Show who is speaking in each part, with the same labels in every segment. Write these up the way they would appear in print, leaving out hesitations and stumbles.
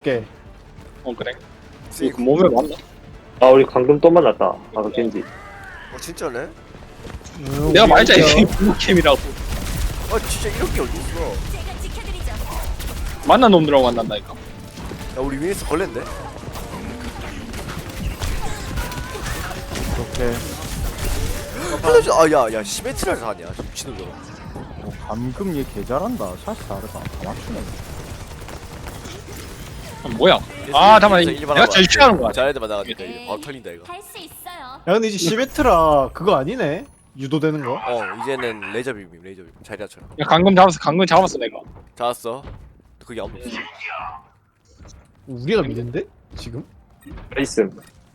Speaker 1: 오케이.
Speaker 2: 그래. 그 몸에 맞나?
Speaker 3: 아 우리 방금 또 만났다. 아까 겐지.
Speaker 4: 진짜네?
Speaker 2: 내가 말했잖아 이게 부모캠이라고.
Speaker 4: 진짜 이런 게 어딨어.
Speaker 2: 만난 놈들하고 만난다니까.
Speaker 4: 야 우리 위에서 걸렸네?
Speaker 1: 오케이.
Speaker 4: 야야 시메트라를 사냐 미친놈 저거.
Speaker 1: 감금 얘 개 잘한다. 샷이 다르다. 다 맞추네.
Speaker 2: 뭐야? 아 잠깐만 내가 제일 싫어하는 거야.
Speaker 4: 잘해도 나가니까 이거 바로 털린다 이거.
Speaker 5: 할 수 있어요.
Speaker 1: 야 근데 이제 시베트라 그거 아니네? 유도되는 거?
Speaker 4: 이제는 레이저 비빔 자리아처럼.
Speaker 2: 야 강금 잡았어 내가.
Speaker 4: 잡았어. 그게 아무도 없어.
Speaker 1: 우리가 믿는데? 지금?
Speaker 3: 레이슨.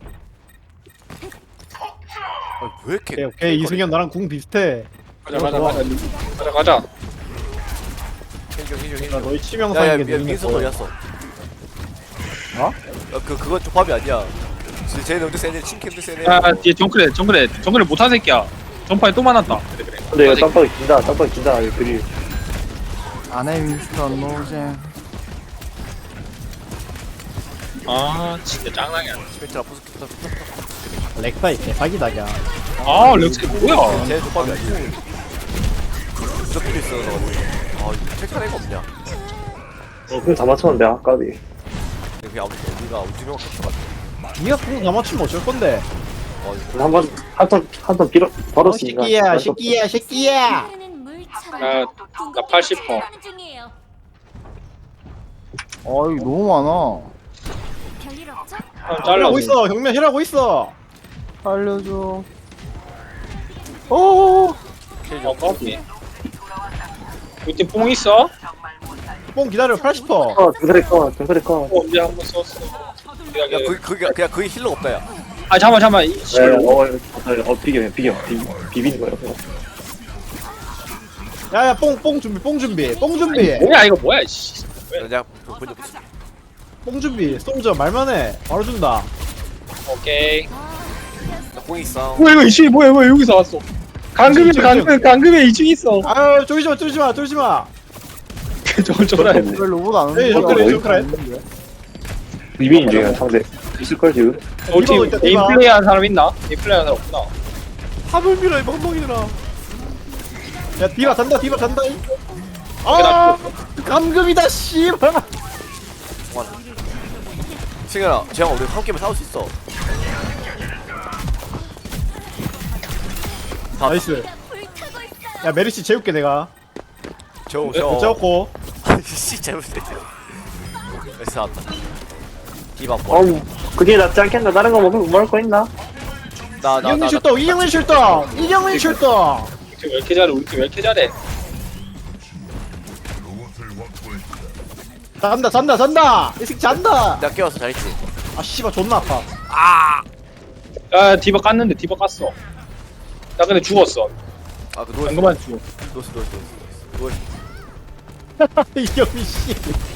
Speaker 4: 왜 이렇게?
Speaker 1: 오케이 오케이 이승현 나랑 궁 비슷해.
Speaker 2: 가자.
Speaker 1: 나 너희
Speaker 4: 야야
Speaker 1: 치명상에게
Speaker 4: 민서 걸렸어.
Speaker 1: 어?
Speaker 4: 그건 조합이 아니야. 쟤는 엄청 세네. 친캠도 세네.
Speaker 2: 야 뒤에 정글에 못한 새끼야. 전파에 또 만났다. 그래.
Speaker 3: 근데 이거 깜빡이 긴다. 깜빡이 긴다. 이거 그리.
Speaker 1: 아내 윈스턴 노잼.
Speaker 2: 아 진짜 짱나게.
Speaker 4: 시메트라 부스kit다.
Speaker 1: 렉사이 개사기다 야.
Speaker 2: 아 렉스 뭐야?
Speaker 4: 쟤 조합이 아니야. 무적도 있어서. 이거 체크할 애가 없냐?
Speaker 3: 그럼 다 맞췄는데 아까비.
Speaker 4: 그게 아무튼 우리가 두 명 같이 가지고.
Speaker 1: 니가 궁 다 맞추면 어쩔 건데?
Speaker 3: 한번 빌어 벌었으니까.
Speaker 1: 새끼야.
Speaker 5: 흐르는 물처럼
Speaker 2: 나 80%.
Speaker 5: 하는 중이에요.
Speaker 1: 어이 너무 많아.
Speaker 5: 별일 없죠?
Speaker 2: 잘라.
Speaker 1: 힐하고 있어. 경면 힐하고 있어. 살려줘. 오.
Speaker 2: 커피. 우리 팀 뽕 있어?
Speaker 1: 뽕 기다려 80%.
Speaker 3: 정글에 커.
Speaker 2: 언제 한번 썼어?
Speaker 4: 야 그냥 거의 힐러 없다 야.
Speaker 2: 아 잠깐만 이
Speaker 3: 네, 비비는 거예요.
Speaker 1: 야야 뽕 준비.
Speaker 2: 뭐야 이거 뭐야 씨.
Speaker 4: 내가 먼저 붙여.
Speaker 1: 뽕 준비. 솔저 말만해. 바로 준다.
Speaker 2: 오케이.
Speaker 4: 나공 있어.
Speaker 2: 뭐야 이거 이층이 뭐야 왜 여기서 왔어? 강금에 2층 있어.
Speaker 1: 아유 쫄지 마.
Speaker 2: 저걸 쫄아야 돼.
Speaker 1: 로봇 안
Speaker 3: 오는데.
Speaker 1: 정크래.
Speaker 3: 비비는 중에 상대 있을 걸 지금.
Speaker 2: 우리 팀
Speaker 1: 이거
Speaker 2: 게임 플레이하는 사람 있나? 게임 플레이하는 사람 없구나.
Speaker 1: 합을 밀어 이 멍멍이들아. 야 디바 잔다. 아 감금이다 씨발.
Speaker 4: 승현아, 쟤랑 우리 한 게임에 싸울 수 있어.
Speaker 1: 나이스.
Speaker 5: 불타고 있어요.
Speaker 1: 야 메르시 재울게 내가.
Speaker 4: 저.
Speaker 1: 재웠고.
Speaker 4: 씨 잘못했어. 나이스 나왔다. 디바
Speaker 3: 어우 그게 낫지 않겠나? 다른 거 먹을 거 있나?
Speaker 1: 이경민 슛도.
Speaker 2: 우리 팀 왜 이렇게 잘해? 우리 팀 왜 이렇게 잘해?
Speaker 1: 잔다. 이 새끼 잔다.
Speaker 4: 나 깨웠어 잘했지.
Speaker 1: 아 씨발 존나 아파.
Speaker 2: 야 디바 깠는데 디바 깠어. 나 근데 죽었어.
Speaker 4: 그 누워.
Speaker 2: 방금만 죽어.
Speaker 4: 누워.
Speaker 1: 이경민 씨.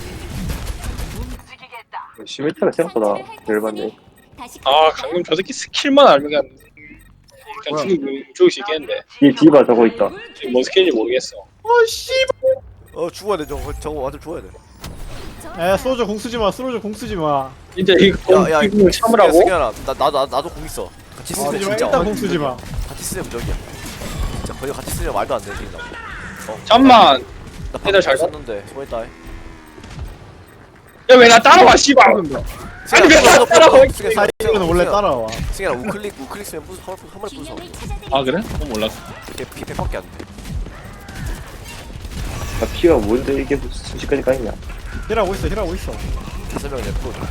Speaker 3: 시메트가 생각보다 열받네.
Speaker 5: 다시
Speaker 2: 아 강금 저 새끼 스킬만 알면 그냥 죽일 수 있겠는데
Speaker 3: 뒤에 디바 저거 있다.
Speaker 2: 지금 뭔 스킬인지 모르겠어.
Speaker 1: 아 씨발.
Speaker 4: 죽어야 돼. 저거 완전 죽어야 돼.
Speaker 1: 야 소저 공 쓰지 마.
Speaker 2: 진짜 이거
Speaker 4: 야,
Speaker 2: 공을 참으라고?
Speaker 4: 승현아, 나도 공 있어. 같이 쓰면 진짜.
Speaker 1: 일단 공 쓰지 마.
Speaker 4: 같이 쓰면 무적이야. 진짜 거의 같이 쓰면 말도 안 돼, 지금 나.
Speaker 2: 잠만.
Speaker 4: 나
Speaker 2: 얘들 잘
Speaker 4: 썼는데 수고했다.
Speaker 2: 야 왜 나 따라와 씨발. 아니 왜 나 따라와?
Speaker 1: 사이는 원래 따라와.
Speaker 4: 승현아 우클릭 쓰면 한번 부숴.
Speaker 5: 균형을 찾아드리죠.
Speaker 2: 아 그래? 몰랐어.
Speaker 4: 이게 피팩밖에 안 돼.
Speaker 3: 나 피가 뭔데 이게 순식간에 까있냐?
Speaker 1: 힐하고 있어.
Speaker 4: 5명이 내 프로.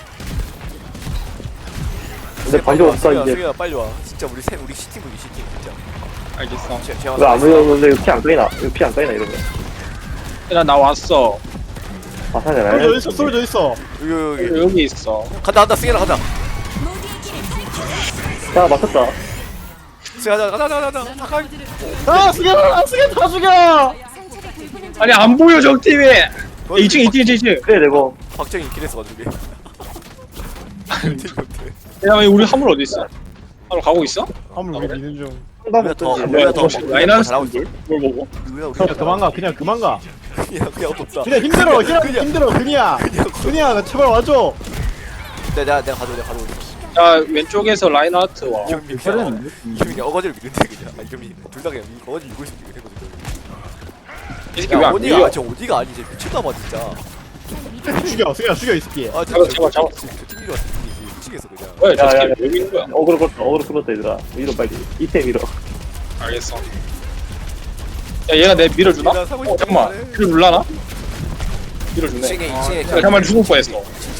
Speaker 3: 근데 반격 없어 이제.
Speaker 4: 승현아 빨리 와. 진짜 우리 시팀 진짜.
Speaker 2: 알겠어.
Speaker 3: 왜 아무도 이거 피안 까이나? 이거 피 안 까이나 이러면.
Speaker 2: 나 왔어.
Speaker 3: 마사잖아요.
Speaker 1: 솔저 있어.
Speaker 4: 여기
Speaker 2: 있어.
Speaker 4: 간다 승현아 간다.
Speaker 5: 모두의 길을 펼쳐.
Speaker 3: 야 맞췄다.
Speaker 4: 승현아 가자.
Speaker 1: 아 승현 다 죽여.
Speaker 5: 상처를 돌보는 중.
Speaker 2: 아니 안 보여 적 팀이. 2층.
Speaker 3: 그래 내고.
Speaker 4: 박정희 길에서 가지고.
Speaker 2: 야 우리 화물 어디 있어? 화물 가고 있어?
Speaker 1: 화물 우리 미는 중.
Speaker 3: 상담
Speaker 4: 우리가 더
Speaker 3: 어떤지.
Speaker 4: 우리가 더
Speaker 2: 라이너스
Speaker 4: 잘하고 있어.
Speaker 2: 뭘 보고?
Speaker 4: 우리가
Speaker 1: 그냥 그만 가.
Speaker 4: 그냥 없다.
Speaker 6: 그냥 힘들어 힘들어 그냥 나 제발 와줘.
Speaker 4: 내가 가져.
Speaker 2: 야 왼쪽에서 라인하트 와.
Speaker 4: 이경민
Speaker 1: 잘했는데?
Speaker 4: 그냥 어거지를 밀는데 그냥. 이경민 둘다 그냥 어거지 밀고 있으면 되거든.
Speaker 2: 이 새끼 왜안
Speaker 4: 어디가
Speaker 2: 밀려?
Speaker 4: 저 어디가 아니지 미쳤나봐 진짜.
Speaker 6: 죽여 죽여 이 새끼.
Speaker 4: 아
Speaker 2: 잡아.
Speaker 4: 팀이 왔어. 미치겠어 그냥.
Speaker 2: 뭐야 저
Speaker 3: 야, 야,
Speaker 2: 새끼 왜 밀는 거야?
Speaker 3: 어그로 끌었다 얘들아. 밀어 빨리. 이때 밀어.
Speaker 2: 알겠어. 야 얘가 내 밀어주나?
Speaker 4: 얘가 사고 싶은
Speaker 2: 잠깐만
Speaker 4: 거네.
Speaker 2: 밀어 눌라나? 밀어주네.
Speaker 4: 2층에
Speaker 2: 야, 정말 죽을 뻔했어.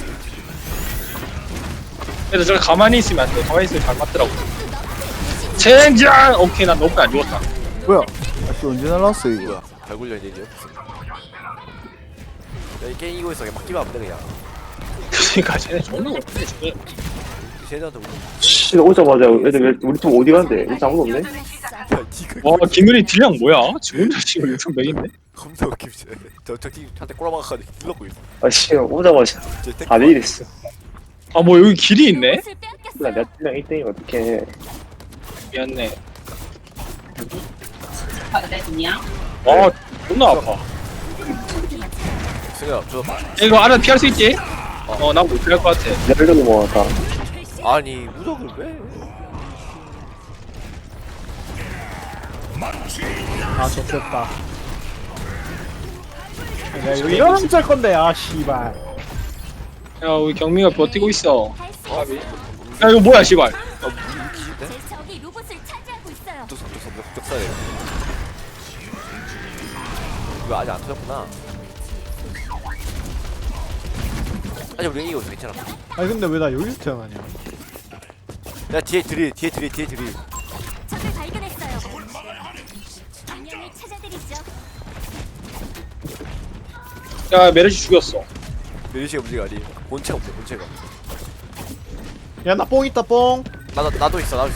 Speaker 2: 그래도 저기 가만히 있으면 안 돼. 가만히 있으면 잘 맞더라고. 젠장! 오케이, 난 너무 안 죽었다.
Speaker 1: 뭐야? 아씨 언제 날랐어 이거?
Speaker 4: 뭐야? 발굴려 이제 야이 게임 이거 있어. 그냥 막 끼면 안 돼 그냥.
Speaker 2: 그러니까 쟤네 존나 못해. 저게.
Speaker 4: 쟤네한테 우리.
Speaker 3: 씨 오자마자 애들 우리 팀 어디 갔는데? 일단 아무도 없네.
Speaker 4: 야 니가
Speaker 2: 와, 김윤희 딜량 뭐야? 지금 혼자 지금 6,100인데?
Speaker 4: 겁나 웃기지. 저 팀한테 꼬라박아가지고 딜러고 있어.
Speaker 3: 아씨 오자마자
Speaker 4: 쟤 택-
Speaker 3: 다들 이랬어.
Speaker 2: 아, 뭐 여기 길이 있네?
Speaker 5: 옷을
Speaker 3: 나
Speaker 5: 빼앗겼어요.
Speaker 3: 내가 팀장 1등이면 어떡해.
Speaker 2: 미안해. 와, 존나 아파.
Speaker 4: 승현아 저
Speaker 2: 이거 알아 피할 수 있지? 난 못 피할 것 같아.
Speaker 3: 내가 이러고 모았다.
Speaker 4: 아니 무적을 왜?
Speaker 6: 아 좋겠다. 야 이거 이러면 짤 건데 아 씨발.
Speaker 2: 야, 우리 경미가 버티고 있어.
Speaker 5: 할수
Speaker 2: 야, 이거 뭐야, 씨발.
Speaker 5: 제 적이 로봇을 차지하고 있어요.
Speaker 4: 뚝뚝뚝 돼. 이거 아직 안 터졌구나. 아니 우리 이거 괜찮아.
Speaker 6: 아니 근데 왜 나 여기서 태어나냐?
Speaker 4: 야 뒤에 드릴.
Speaker 5: 적을 발견했어요. 분명히 찾아드리죠.
Speaker 2: 야, 메르시 죽였어.
Speaker 4: 메리시가 문제가 아니. 본체가 없네 본체가.
Speaker 6: 야 나 뽕 있다 뽕.
Speaker 4: 나도 있어.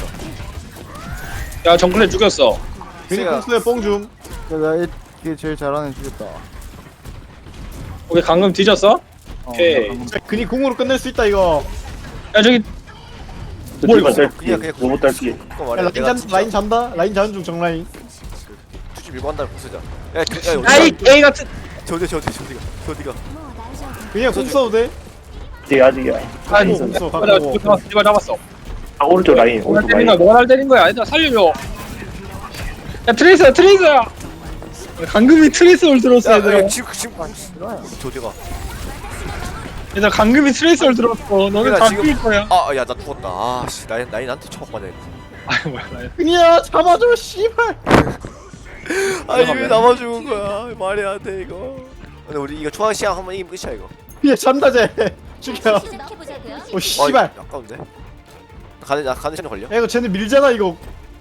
Speaker 2: 야, 정글에 죽였어.
Speaker 6: 괜히
Speaker 4: 제가-
Speaker 6: 공수에 뽕 줌.
Speaker 1: 나 이게 제일 잘하는 애 죽였다.
Speaker 2: 오케이, 방금 뒤졌어? 오케이.
Speaker 6: 괜히 궁으로 끝낼 수 있다 이거.
Speaker 2: 야, 저기,
Speaker 3: 저
Speaker 2: 뭐
Speaker 3: 팀만
Speaker 2: 이거?
Speaker 3: 딸피.
Speaker 4: 그냥
Speaker 3: 로봇 딸피.
Speaker 4: 그거
Speaker 6: 야,
Speaker 4: 말이야.
Speaker 6: 라인 잔다. 라인 자는 중 정라인.
Speaker 4: 투지 밀고 한다는 공수자. 야
Speaker 2: 아이, 게이 같은.
Speaker 4: 저디가.
Speaker 5: 뭐 나죠.
Speaker 6: 그냥 공 써도 돼.
Speaker 3: 뒤에 아직이야.
Speaker 2: 아니,
Speaker 6: 없어,
Speaker 2: 내가
Speaker 6: 갖고.
Speaker 2: 집어 잡았어.
Speaker 3: 아 오른쪽 라인.
Speaker 2: 뭐가
Speaker 3: 오른쪽
Speaker 2: 때린
Speaker 3: 라인.
Speaker 2: 거야? 뭐가 날 때린 거야? 얘들아, 살려줘. 야, 트레이서야! 강금이 트레이서를 들었어, 얘들아.
Speaker 4: 야 지금 저디가.
Speaker 2: 얘들아, 강금이 트레이서를 들었어. 너는
Speaker 4: 얘들아,
Speaker 2: 다
Speaker 4: 지금-
Speaker 2: 죽일 거야.
Speaker 4: 야 나 죽었다. 아씨 나이 나한테 처먹 맞아 이거.
Speaker 2: 아이, 뭐야.
Speaker 6: 그냥 잡아줘 씨발.
Speaker 4: 아니 왜 나만 죽은 거야? 말이 안 돼 이거. 근데 우리 이거 초반 시간 한번 이기면 끝이야 이거.
Speaker 6: 그냥 잔다 쟤. 죽여.
Speaker 5: 시작해보자고요.
Speaker 6: 오 씨발.
Speaker 4: 아까운데. 가는 시간 걸려.
Speaker 6: 야 이거 쟤네 밀잖아 이거.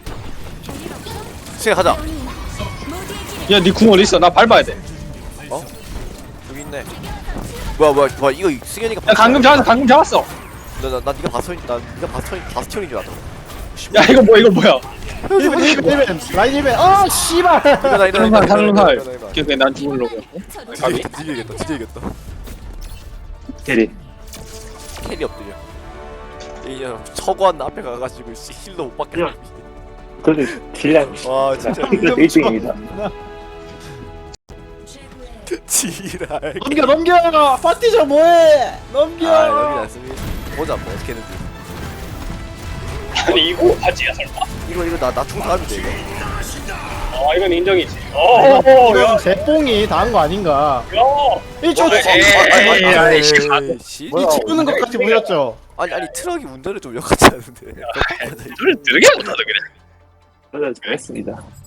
Speaker 4: 시간 가자.
Speaker 5: 모두의 길을
Speaker 2: 야, 니 궁 어디 있어? 나 밟아야 돼.
Speaker 4: 여기 있네. 뭐야 이거 승현이가.
Speaker 2: 야, 강금 잡았어.
Speaker 4: 나 네가 바스티온인 줄 알았다.
Speaker 2: 야, 이거 뭐야.
Speaker 6: 1벤 라인 1벤. 아 씨발.
Speaker 2: 다른 살. 오케이, 난 죽으려고. 가비.
Speaker 4: 뒤지겠다.
Speaker 3: 캐리.
Speaker 4: 캐리 엎드려. 이제 서구한 앞에 가가지고 힐도 못 받게.
Speaker 3: 그래도 딜량.
Speaker 4: 와 진짜
Speaker 3: 1등입니다.
Speaker 4: 지랄.
Speaker 6: 넘겨. 파티저 뭐해? 넘겨.
Speaker 4: 여기 났으면 보자 뭐 어떻게 했는지.
Speaker 2: 아니, 이거 바지야, 설마?
Speaker 4: 이거 나 충분하면 돼 이거.
Speaker 2: 이건 인정이지.
Speaker 6: 이건 제 뽕이 다 한 거 아닌가?
Speaker 2: 야!
Speaker 6: 이저
Speaker 2: 에이,
Speaker 4: 씨.
Speaker 3: 뭐야?
Speaker 6: 치우는 것 같이 보였죠?
Speaker 4: 아니 트럭이 운전을 좀 역같지 않은데.
Speaker 2: 소리 들으게 못하다 그래.
Speaker 3: 그래 잘했습니다.